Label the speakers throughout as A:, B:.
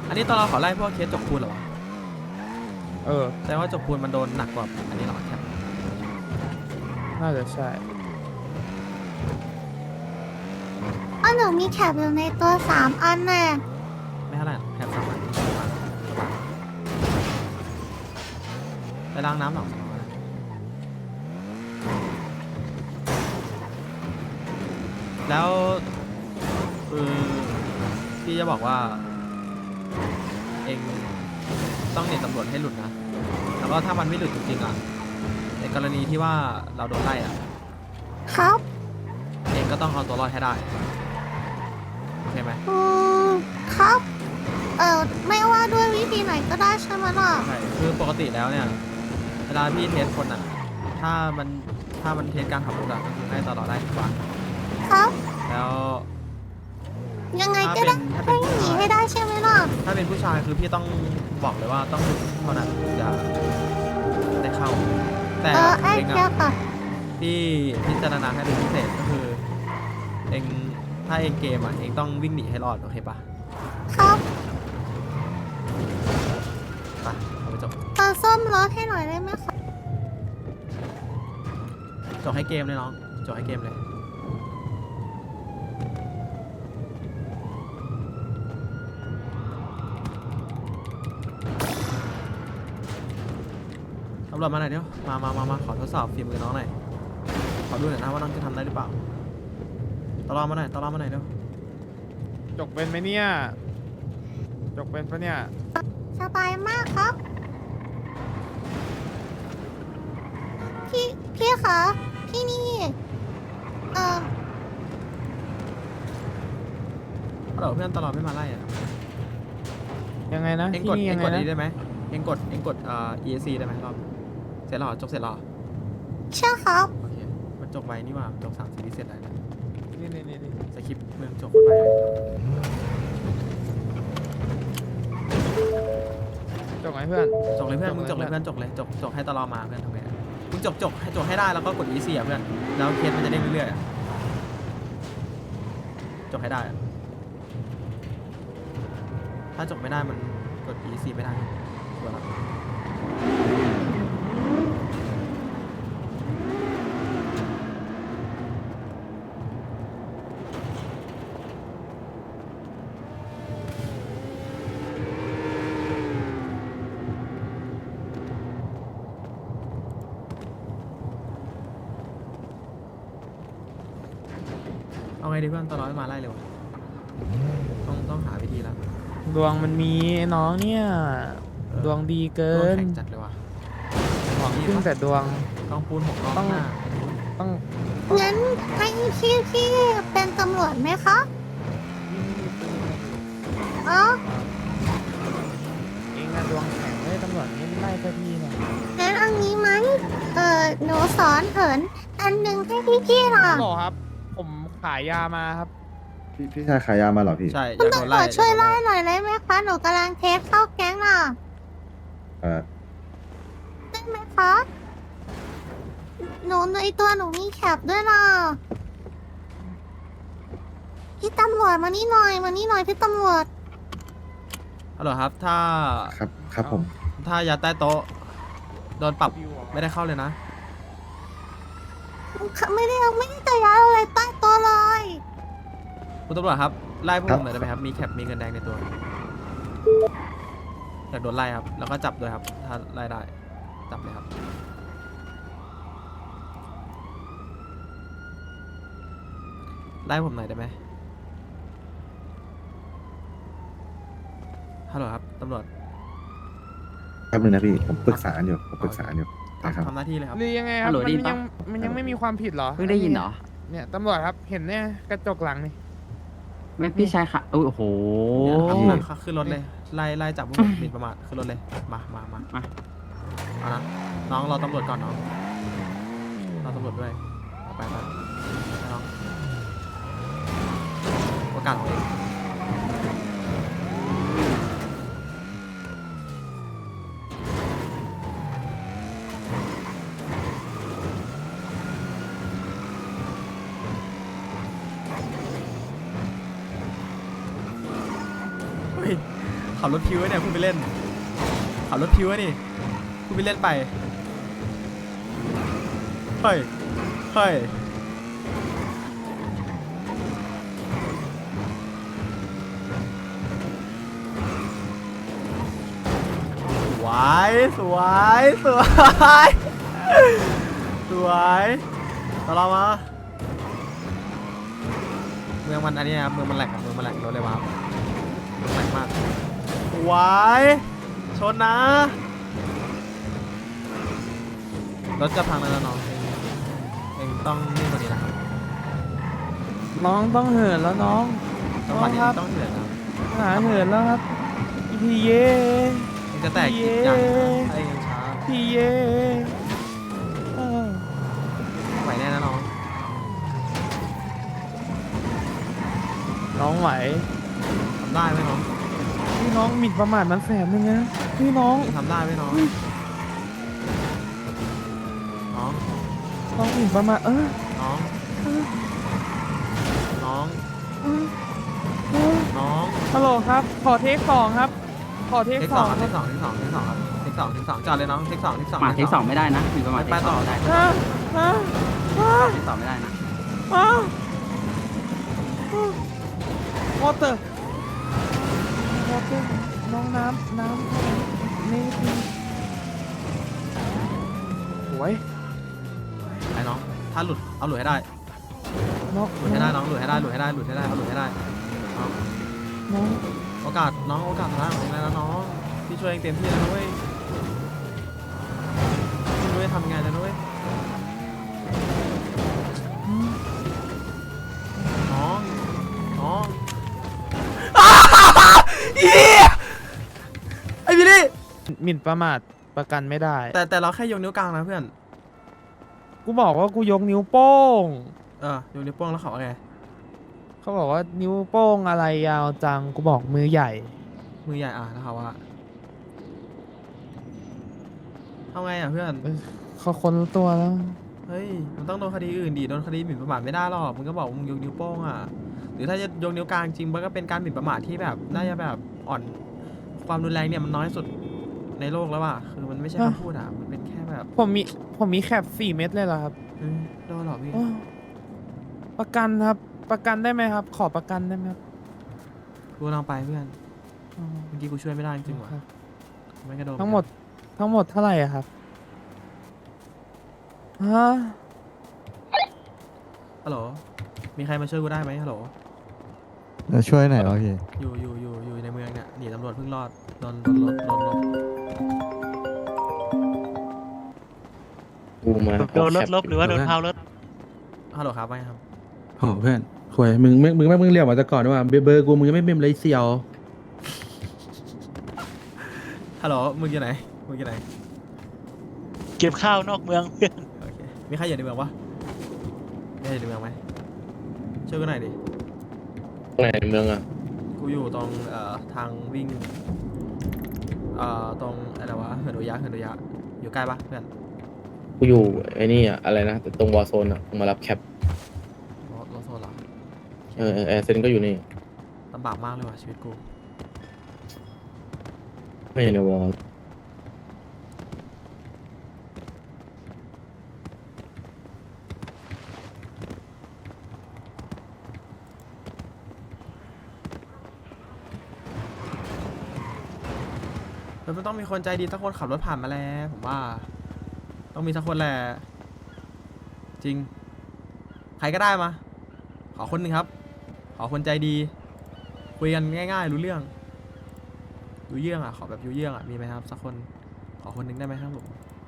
A: อันนี้ตอนเราขอไล่พวกเคสจกปูนเหรอวะ
B: แ
A: แสดงว่าจกปูนมันโดนหนักกว่าอันนี้หรอแคป
B: น่าจะใช่
C: หนูมีแคปอยู่ในตัว3 อันน่ะ
A: ไม่เท่าไหร่แคป3 อันไปล้างน้ำหรอแล้วพี่จะบอกว่าเองต้องหนีตำรวจให้หลุดนะแล้วก็ถ้ามันไม่หลุดจริงๆอ่ะในกรณีที่ว่าเราโดนไล่อ่ะ
C: ครับ
A: เองก็ต้องเอาตัวรอดให้ได้โอเคไหม
C: ครับ ไม่ว่าด้วยวิธีไหนก็ได้ใช่ไหมล่ะ
A: ใช่คือปกติแล้วเนี่ยเวลาพี่เทสคนอ่ะถ้ามันเทสการขับรถอ่ะก็คือให้ตลอดได้ทุกวัน
C: ครับ
A: แล้ว
C: ยังไงก็ได้
A: ถ้าเป็
C: ให้
A: น
C: หนีให้ได้ใช่ไหมล่ะ
A: ถ้าเป็นผู้ชายคือพี่ต้องบอกเลยว่าต้องหลุดเท่านั้นจะได้เข้า แต่
C: ไอ้
A: เอง
C: แค่
A: อ่ะ
C: ค่ะ
A: พี่พิจารณาให้เป็นพิเศษก็คือเองถ้าเองเกมอ่ะเองต้องวิ่งหนีให้รอดโอเคปะ
C: ครับ
A: ไปเอาไปจบ
C: ซ่อมรถให้หน่อยได้ไหมคะ
A: จบให้เกมเลยน้องจบให้เกมเลยตำรวจมาหน่อยเดี๋ยวมาขอทดสอบฝีมือน้องหน่อยขอดูหน่อยนะว่าน้องจะทำได้หรือเปล่าตลอดมาหน่อยเดี๋ยว
B: จกเป็นไหมเนี่ย จกเป็นปะเนี่ย
C: สบายมากครับ พี่คะพี่นี่
A: ฮัลโหลเพื่อนตลอดไม่มาไล่อะ
B: ยังไงนะ
A: เอ็ง
B: ที่
A: กด
B: นี่
A: เอ็
B: ยัง งไง
A: กด
B: นะ
A: นี้ได้ไหมเอ็งกดESC ได้ไหมรอบเสร็จแล้วเหรอจบเสร็จแล้วเหรอ
C: เชื่อครับ
A: โอเคมันจบไวนี่หว่าจบ3 ซีรีส์เสร็จแล้วนะ
B: นี่
A: สคริปต์มึงจบโคตรไวเลย
B: จกไหมเพื่อน
A: จบเลยเพื่อนมึงจบเลยเพื่อนจบเลยจบให้ตลอดมาเพื่อนทำไงอะมึงจบให้ได้แล้วก็กด ESC อ่ะเพื่อนแล้วเคสมันจะเด้งเรื่อยๆอะจบให้ได้อะถ้าจบไม่ได้มันกด ESC ไม่ได้ชัวร์แล้วเอาไงดีเพื่อนตลอดไม่มาไล่เลยวะต้องหาวิธีแล้ว
B: ดวงมันมีไอ้น้องเนี่ย ดวงดีเกิ
A: โดน
B: น
A: แข่งจัดเลยวะ
B: หวังพึ่งแต่ดวง
A: ต้องปูน6 รอบ
B: ต้อง
A: หน้า
B: ต้อง
C: งั้นให้พี่เป็นตำรวจไหมคะอ๋อ
B: เองอะดวงแข็งเลยตำรวจนี่ไล่เจ้าที่เนี่ย
C: งั้นเอางี้ไหมหนูสอนเหินอันหนึ่งให้พี่ล่ะ
B: หรอครับ ผมขายยามาครับ
D: พี่ชายขายยามาเหรอพี่
A: ใช่อ
C: คุณ
A: ยากโดน
C: ตำร
A: ไล่
C: วจช่วยไล่หน่อยได้ไหมคะ หนูกำลังเทสเข้าแก๊งน่ะ
D: เอ่อ
C: ได้ไหมคะ หนูในตัวหนูมีแคปด้วยล่ะ พี่ตำรวจมานี่หน่อยพี่ตำรวจ
A: ฮัลโหลครับถ้า
D: ครับผม
A: ถ้ายัดใต้โต๊ะโดนปรับไม่ได้เข้าเลยนะ
C: ไม่ได้จะย้ายอะไรใต้โต๊ะเลย
A: คุณตำรวจครับไล่พวก
D: ครั
A: ผ
D: บ
A: มหน่อยได้ไหมครับมีแคปมีเงินแดงในตัวอยากโดนไล่ครับแล้วก็จับด้วยครับถ้าไล่ได้จับเลยครับไล่ผมหน่อยได้ไหมฮัลโหลครับตำรวจ
D: ครับนึงนะพี่ ผมปรึกษาอยู่นะครับ
A: ทำหน้าที่เลยครับ
B: หรือยังไงครับ
E: ฮัลโหล
B: มัน
E: ได้ยินปะ
B: ยังไม่มีความผิดเหรอ
E: เพิ่งได้ยินเหรอ
B: เนี่ยตำรวจครับ เห็นเนี่ยกระจกหลังนี่
E: ไม่พี่ชายค่ะโอ้โห
A: เนี่ยครับขึ้นรถเลยไล่จับพวกผมหมินประมาทขึ้นรถเลยมาเอานะน้องรอตำรวจก่อนน้องรอตำรวจด้วยไปน้องโอกาสของเองขับรถพิวไว้เนี่ยพูดไปเล่นขับรถพิวไว้นี่พูดไปเล่นไปเฮ้ยเฮ้ยสวยสวยสวยสวยต่อเรามาเมืองมันอันนี้ครับเมืองมันแหลกครับเมืองมันแหลกรถเลยว้าวเมืองแหลกมากสวยชนนะรถจะพังแล้วนะน้องเองต้องนิ่งกว่านี้นะครับ
B: น้องต้องเหินแล้วน้อง
A: จังหวะนี้ต้องเหนื่อยนะ
B: หาเหินแล้วครับพี่เย
A: เองจะแตกอีกอย่างนะถ้าเองยังช้า
B: พี่เยเออ
A: ไหวแน่นะน้อง
B: น้องไหว
A: ทำได้ไหมน้อง
B: พี่น้องหมิ่นประมาทมันแสบนึงนะพี่น้อง
A: ทำได้ไหมน้องน้อง
B: น้องหมิ่นประมาท
A: น้องน้อง
B: เออ
A: น้อง
B: ฮัลโหลครับขอเทคสองครับ ขอเทค
A: เทค
B: ส
A: ส
B: อ
A: อง ง
B: ค
A: เท
B: รับ
A: คสองเทคสองเทคสองครับเทคสองเทคสองจอดเลยน้องเทคสองเทคสอง
E: มาเทคสองไม่ได้นะมีประมาณ
A: ไปต่อ
E: เทค
A: ได้
B: ฮะ
E: เทคสองไม่ได้นะ
B: วอเตอร์น้องน้ำนี่โอ้ย
A: ไอ้น้องถ้าหลุดเอาหลุดให้ได้
B: น้อง
A: หลุดให้ได้น้องหลุดให้ได้หลุดให้ได้หลุดให้ได้เอาหลุดให้ได้น้อง
B: น้อง
A: โอกาสน้องโอกาสท้ายของเองแล้วน้องพี่ช่วยเองเต็มที่แล้วนะเว้ยพี่รู้จะทำไงแล้วนะเว้ยน้องน้องเฮียไอ้พี่นี่
B: หมิ่นประมาทประกันไม่ได้
A: แต่เราแค่ยกนิ้วกลางนะเพื่อน
B: กูบอกว่ากูยกนิ้วโป้ง
A: ยกนิ้วโป้งแล้วเขาว่าไง
B: เขาบอกว่านิ้วโป้งอะไรยาวจัง กูบอกมือใหญ่
A: มือใหญ่แล้วเขาว่าทำไงเพื่อน
B: เขาค้นตัวแล้ว
A: เฮ้ยมันต้องโดนคดีอื่นดิโดนคดีหมิ่นประมาทไม่ได้หรอกมึงก็บอกว่ามึงยกนิ้วโป้งหรือถ้าจะยกนิ้วกลางจริงมันก็เป็นการหมิ่นประมาทที่แบบน่าจะแบบอ่อนความรุนแรงเนี่ยมันน้อยสุดในโลกแล้วคือมันไม่ใช่คำพูดมันเป็นแค่แบบ
B: ผมมีแคป4 เม็ดเลยเหรอครับ
A: โดนหรอพี่
B: อ้อประกันครับ ประกันได้ไหมครับ ขอประกันได้ไหมครับ
A: กูลองไปเพื่อน
B: อ๋อ
A: เมื่อกี้กูช่วยไม่ได้จริงๆว่ะ
B: ครับ
A: ไม่กระโดด
B: ทั้งหมดเท่าไหร่อะครับฮะ
A: ฮัลโหลมีใครมาช่วยกูได้ไหมฮัลโหล
F: จะช่วยไหนวะพี่
A: อยู่ในเมืองเนี่ยหนีตำรวจเพิ่งรอดโดนรถ
G: กูมา
H: โดนรถลบหรือว่าโดนเผารถ
A: ฮัลโหลครับไม่ครับ
G: โอ้เพื่อนหวยมึงเรียกมาแต่ก่อนว่าเบอร์กูมึงยังไม่เมมเลยเซียว
A: ฮัลโหลมึงอยู่ไหนมึงอยู่ไหน
H: เก็บข้าวนอกเมืองเพื่อน
A: โอเคมีใครอยู่ในเมืองปะมีใครอยู่ในเมืองไหมช่วยกูหน่อยดิ
G: ไหนในเมืองอ่ะ
A: กูอยู่ตรงทางวิ่งตรงอะไรวะเหินอุยะอยู่ใกล้ปะเพื่อน
G: กูอยู่ไอ้นี่อ่ะอะไรนะตรงวอร์โซนอ่ะมึงมารับแคป
A: รถโซนเหรอ
G: แอร์เซนก็อยู่นี่
A: ลำบากมากเลยว่ะชีวิตกู
G: ไม่ใช่ในวอร์
A: มันต้องมีคนใจดีสักคนขับรถผ่านมาแล้วผมว่า ต้องมีสักคนแหละจริง ใครก็ได้มา ขอคนหนึ่งครับ ขอคนใจดี คุยกันง่ายๆรู้เรื่องรู้เรื่องขอแบบรู้เรื่องมีไหมครับสักคนขอคนหนึ่งได้ไหมครับผม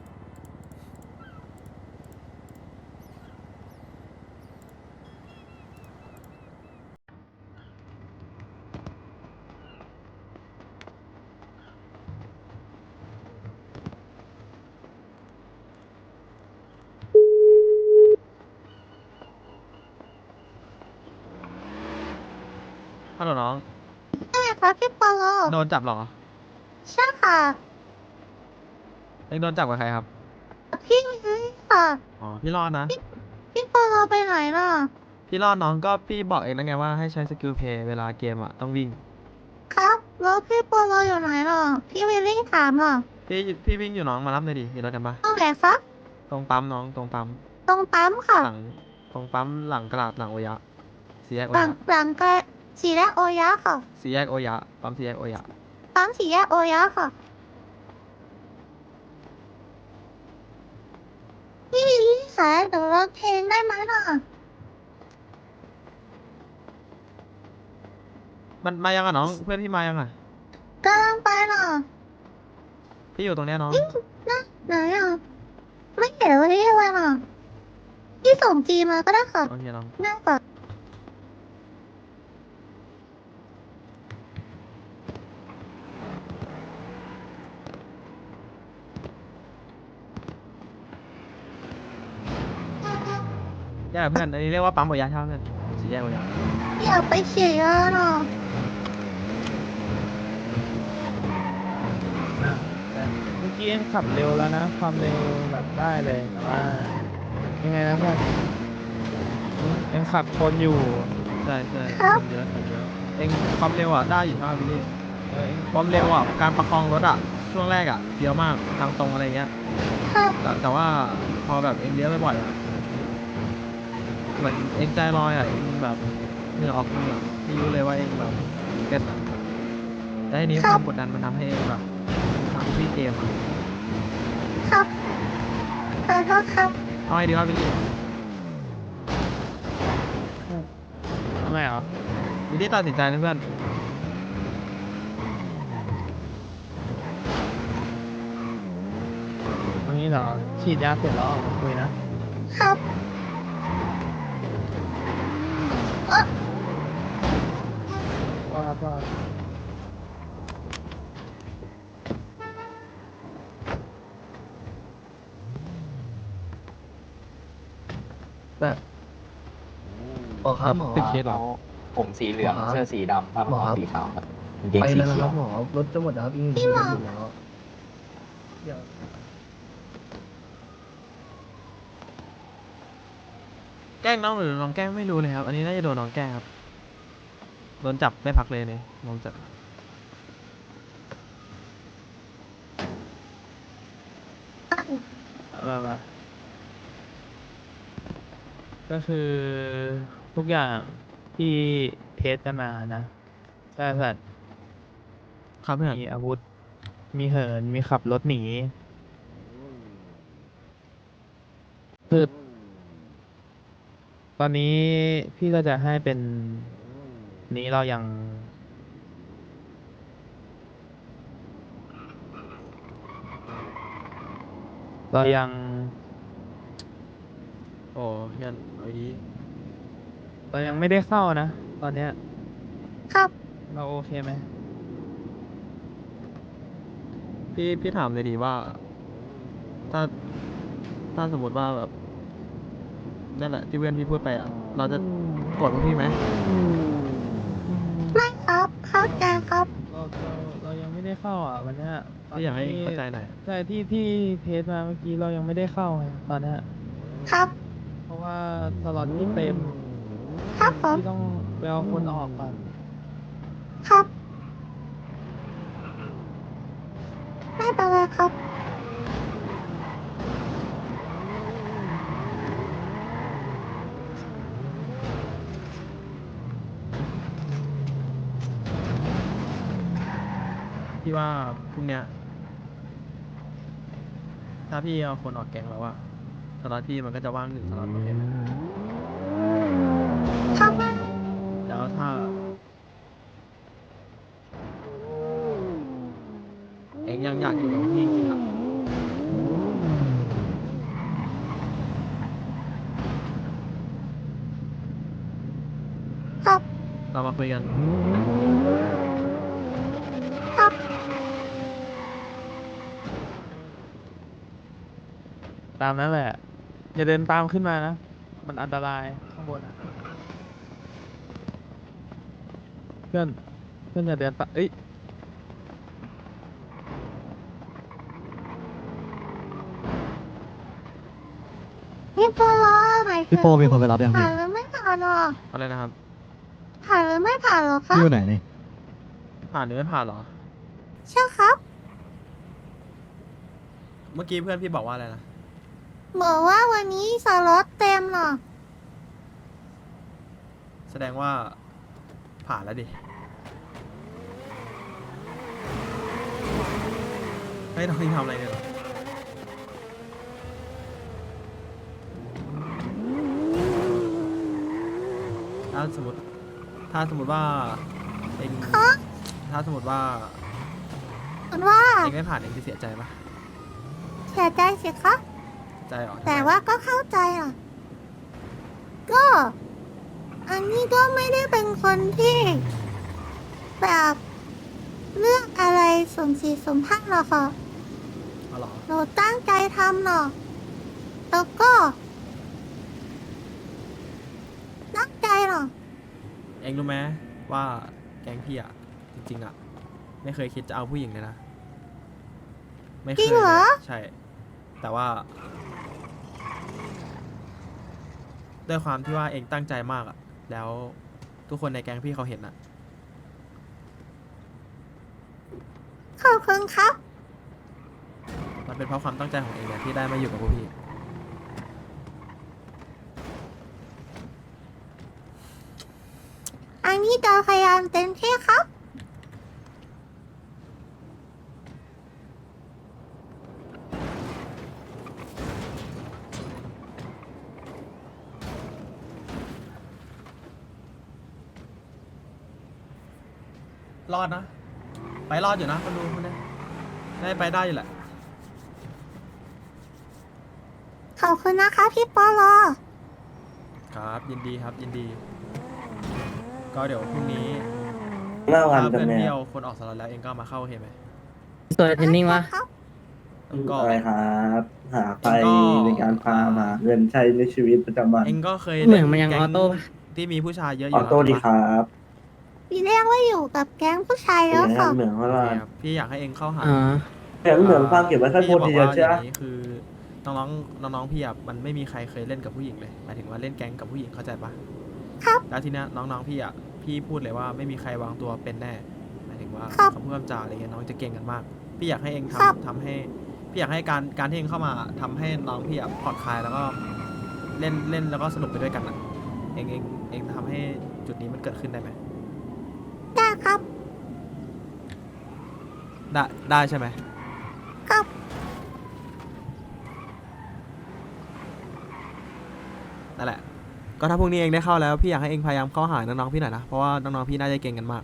A: ฮัลโหลน้อง
C: ใช่ไหมคะพี่ปอล
A: โดนจับเหรอ
C: ใช่ค่ะ
A: เองโดนจับกับใครครับ
C: พี่นี่ค่ะ
A: อ๋อพี่รอดนะ
C: พี่ปอลไปไหนล่ะ
A: พี่รอดน้องก็พี่บอกเองแล้วไงว่าให้ใช้สกิลเพย์เวลาเกมต้องวิ่ง
C: ครับแล้วพี่โปโลอยู่ไหนหรอพี่วิลลี่ถามหรอ
A: พี่วิ่งอยู่น้องมารับหน่อยดิมีรถกันปะ
C: ตรงไหนครับ
A: ตรงปั๊มน้องตรงปั๊ม
C: ตรงปั๊มค่ะ
A: หลังตรงปั๊มหลังกระดาษหลังโอยะสี่แยกโอ
C: หลั
A: ยะ
C: งหลังก็สี่แยกโอยะค่ะ
A: สี่แยกโอยะปั๊มสี่แยกโอยะ
C: ปั๊มสี่แยกโอยะค่ะพี่วิลลี่คะเดี๋ยวเราเพลงได้ไหมล่ะ
A: มันมายังอ่ะน้องเพื่อนพี่มายังอ่ะ
C: กำลังไปหรอ
A: พี่อยู่ตรงเนี้ยน้อง
C: นะไหนอ่ะไม่เห็นวันนี้อะไรหรอพี่ส่งจีมาก็ได้ค่ะ
A: โอเคน้อง
C: ง่ายกว่า
A: แยกกับเพื่อนอันนี้เรียกว่าปั๊มโอยะใช่ไหมเพื่อนสี่แยกโอยะ
C: อยากไปเขียนหรอ
B: แต่เมื่อกี้เอ็งขับเร็วแล้วนะ ความเร็วแบบได้เลยแต่ว่ายังไงนะเพื่อนเอ็งขับชนอยู่
A: ใช่คนเยอะคนเยอะเองความเร็วอ่ะได้อยู่ใช่ไหมพี่ลี่ความเร็วอ่ะการประคองรถอ่ะช่วงแรกอ่ะเลี้ยวมากทางตรงอะไรเงี้ย
C: ครับ
A: แต่ว่าพอแบบเองเลี้ยวบ่อยๆอะเหมือนเองใจลอยอ่ะเองแบบเหงื่อออกเหงื่อพี่รู้เลยว่าเองแบบเก็ตอะแล้วทีนี้ความกดดันมันทำให้เองแบบทำพี่เกมอะ
C: ครับขอโทษครับ
A: เอาไงดีวะพี่ลี่
B: ทำไมเหรอ
A: พี่ลี่ตัดสินใจนะเพื่อน
B: ตรงนี้เหรอ ฉีดยาเสร็จแล้วออกมาคุยนะครับ ว่า
A: แต่
I: หมอครับหมอ
B: ติดเคสเหรอ
I: ผมสีเหลืองหมอครับเสื้อสีดำผ้าหมอครับสีขาวครับกางเกงไปสีแล้วนะ เขีค ย รัวบหมอรถจะหมดแล้วครับยิ่ง
C: พี่หมอ
I: ถึงแล้วเดี๋ยว
A: แกล้งน้องหรือน้องแกล้งไม่รู้เลยครับ อันนี้น่าจะโดนน้องแกล้งครับโดนจับไม่พักเลยเนี่ยน้องจับ
B: มาก็คือทุกอย่างที่เทสกันมานะใช่สัตว์
A: ครับเพื่อน
B: มีอาวุธ มีเหิน มีขับรถหนีคือตอนนี้พี่ก็จะให้เป็นนี้เรายัง เรายัง
A: โอ้เพื่อนเอาดี
B: เรายังไม่ได้เข้านะ ตอนเนี้ย
C: ครับ
B: เราโอเคไหม
A: พี่ถามเลยดีว่า ถ้าถ้าสมมติว่าแบบนั่นแหละที่เพื่อนพี่พูดไปอ่ะเราจะโกดพวกพี่ไหม
C: ไม่ครับเข้าใจครับ
B: เรายังไม่ได้เข้าอ่ะวันเนี้ย
A: พี่อยากให้เข้าใจหน่อย
B: ใช่ที่เทสมาเมื่อกี้เรายังไม่ได้เข้าไงตอนเนี้ย
C: ครับ
B: เพราะว่าสล็อตที่เต็ม
C: ครับผม
B: ที่ต้องไปเอาคนออกก่อน
C: ครับ ไม่เป็นไรครับ
A: พี่ว่าพรุ่งเนี้ยถ้าพี่เอาคนออกแก๊งแล้วอะสล็อตพี่มันก็จะว่างหนึ่งสล็อตโอเคไหม
C: ครับ
A: แล้วถ้าเองยังอยากอยู่กับพี่จริงๆอะ
C: ครับ
A: เรามาคุยกัน
C: ครับ
B: ตามนั้นแหละ อย่าเดินตามขึ้นมานะ มันอันตรายข้างบนอะเพื่อนอย่าเดินตามเอ้ย
C: พี่โปโลหมายถึง
F: พี่โปมีคนไปรับยัง
C: ผ่า
F: พี่
C: นหรือไม่ผ่านหรอ
A: อะไรนะครับ
C: ผ่านหรือไม่ผ่านหรอครับ
F: พี่อยู่ไหนนี่
A: ผ่านหรือไม่ผ่านเหรอ
C: ใช่ครับ
A: เมื่อกี้เพื่อนพี่บอกว่าอะไรนะ
C: บอกว่าวันนี้สล็อตเต็มเหรอ
A: แสดงว่าผ่านแล้วดิไม่ต้องทำอะไรเลยเหรอถ้าสมมติว่าเอง
C: ฮะ
A: ถ้าสมมติว่า
C: คุณว่า
A: เองไม่ผ่านเองจะเสียใจปะ
C: เสียใจสิคะ
A: ใจเหรอทำไม
C: แต่ว่าก็เข้าใจอ่ะ ก็อันนี้ก็ไม่ได้เป็นคนที่ แบบเลือกอะไรสมสีสมพักหรอกค่ะ
A: เอาเหรอ
C: หนูตั้งใจทำหรอกแล้วก็ ตั้งใจหรอก
A: เองรู้ไหมว่าแก๊งพี่อะจริงๆอะไม่เคยคิดจะเอาผู้หญิงเลยนะไม่เค
C: จริ
A: ย
C: งเหรอ
A: ใช่ แต่ว่าด้วยความที่ว่าเองตั้งใจมากอะแล้วทุกคนในแก๊งพี่เขาเห็นอะ
C: ขอบคุณครับ
A: มันเป็นเพราะความตั้งใจของเองเนี่ยที่ได้มาอยู่กับพวกพี่
C: อันนี้จะพยายามเต็มที่ครับ
A: รอดนะ ไปรอดอยู่นะคนดูคนนี้ได้ไปได้อยู่แหละ
C: ขอบคุณนะคะพี่ปอลอ
A: ครับยินดีครับยินดี ก็เดี๋ยวพรุ่งนี้
I: เล่ากัน
A: ถ้า
I: กั
A: เพื่
I: น
A: อน
I: แม่
A: เที่ยวคนออกสล็อตแล้วเองก็มาเข้าโอเคไหม
E: ตัวเทนนิ่งวะ
C: ครับ
A: แล้วก็
I: อะไรครับ หาไป
A: ก็
I: ในการพามาเงินใช้ในชีวิตประจำวัน
A: เองก็เคย
E: เหมือนมันยัง
A: แก๊
E: ออโต้ปะ
A: ที่มีผู้ชายเยอะอ
I: อยู่ อโต้ดี
A: แล้ว
I: ครับ
C: พี่เรียกว่าอยู่กับแก๊งผู้ชาย
I: เป็
C: แล้ว
I: น
C: ค่ะ
I: เหมือนว่า
A: โอเคครับพี่อยากให้เองเข้าหา
E: อ๋อ
I: เหมือนฟังเก็บไว้แค่
A: พี่
I: คน
A: จะบอก
I: เดียว
A: ว่า
I: ใช่
A: อ
I: ไหม
A: ย่างนี้คือน้องๆน้องๆพี่อ่ะมันไม่มีใครเคยเล่นกับผู้หญิงเลยหมายถึงว่าเล่นแก๊งกับผู้หญิงเข้าใจปะ
C: ครับ
A: แล้วทีเนี้ยน้องๆพี่อ่ะพี่พูดเลยว่าไม่มีใครวางตัวเป็นแน่หมายถึงว่า
C: ครับ
A: คำพูดคำจาอะไรเงี้ยน้องจะเก่งกันมาก พี่อยากให้เอง
C: ครับ
A: ทำให้พี่อยากให้การที่เองเข้ามาทำให้น้องพี่อ่ะผ่อนคลายแล้วก็เล่นแล้วก็สนุกไปด้วยกันอ่ะเองทำให้จุดนี้มันเกิดขึ้นได้ไหม
C: ได้ครับ
A: ได้ใช่ไหม
C: ครับ
A: นั่นแหละ ก็ถ้าพรุ่งนี้เองได้เข้าแล้วพี่อยากให้เองพยายามเข้าหาน้องๆพี่หน่อยนะเพราะว่าน้องๆพี่น่าจะเก่งกันมาก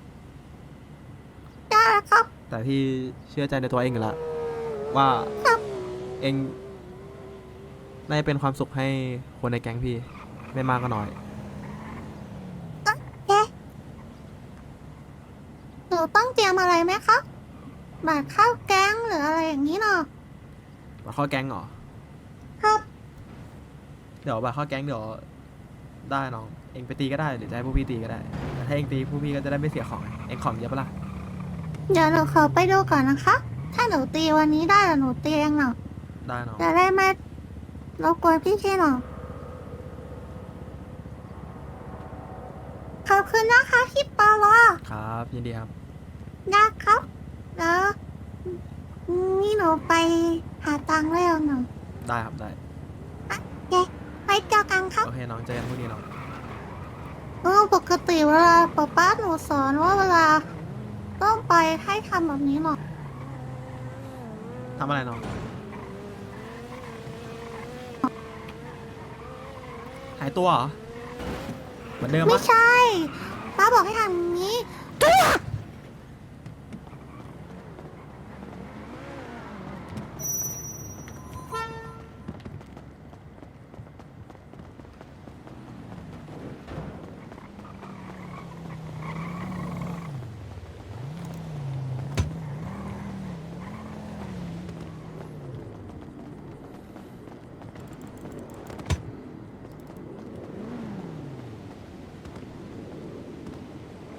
C: ได้ครับ
A: แต่พี่เชื่อใจในตัวเองอยู่แล้วว่า
C: ครับ
A: เองน่าจะเป็นความสุขให้คนในแก๊งพี่ไม่มากก็น้อย
C: เอ๊ะหนูต้องเตรียมอะไรไหมคะบัตรเข้าแก๊งหรืออะไรอย่างนี้เนาะ
A: บัตรเข้าแก๊งเหรอ
C: ครับ
A: เดี๋ยวบัตรเข้าแก๊งเดี๋ยวได้น้องเองไปตีก็ได้หรือจะให้พวกพี่ตีก็ได้แต่ถ้าเองตีพวกพี่ก็จะได้ไม่เสียของไงเองของเยอะปะล่ะ
C: เดี๋ยวหนูขอไปดูก่อนนะคะ ถ้าหนูตีวันนี้ได้เดี๋ยวหนูตีเองเนาะ
A: ได้น้อง
C: จะได้ไม่รบกวนพี่ๆหน่อยขอบคุณนะคะพี่ปอลอ
A: ครับยินดีครับ
C: นะครับแล้วนี่หนูไปหาตังค์แล้วหนู
A: ได้ครับได้
C: โอเคไปเจอกันครับ
A: โอเคน้องเจอกันพรุ่งนี้น้อง
C: ปกติเวลาป้าหนูสอนว่าเวลาต้องไปให้ทำแบบนี้หรอก
A: ทำอะไรน้องหายตัวเหรอเหมือนเดิม
C: ไม่
A: ปะ
C: ใช่ ป้าบอกให้ทำอย่างนี้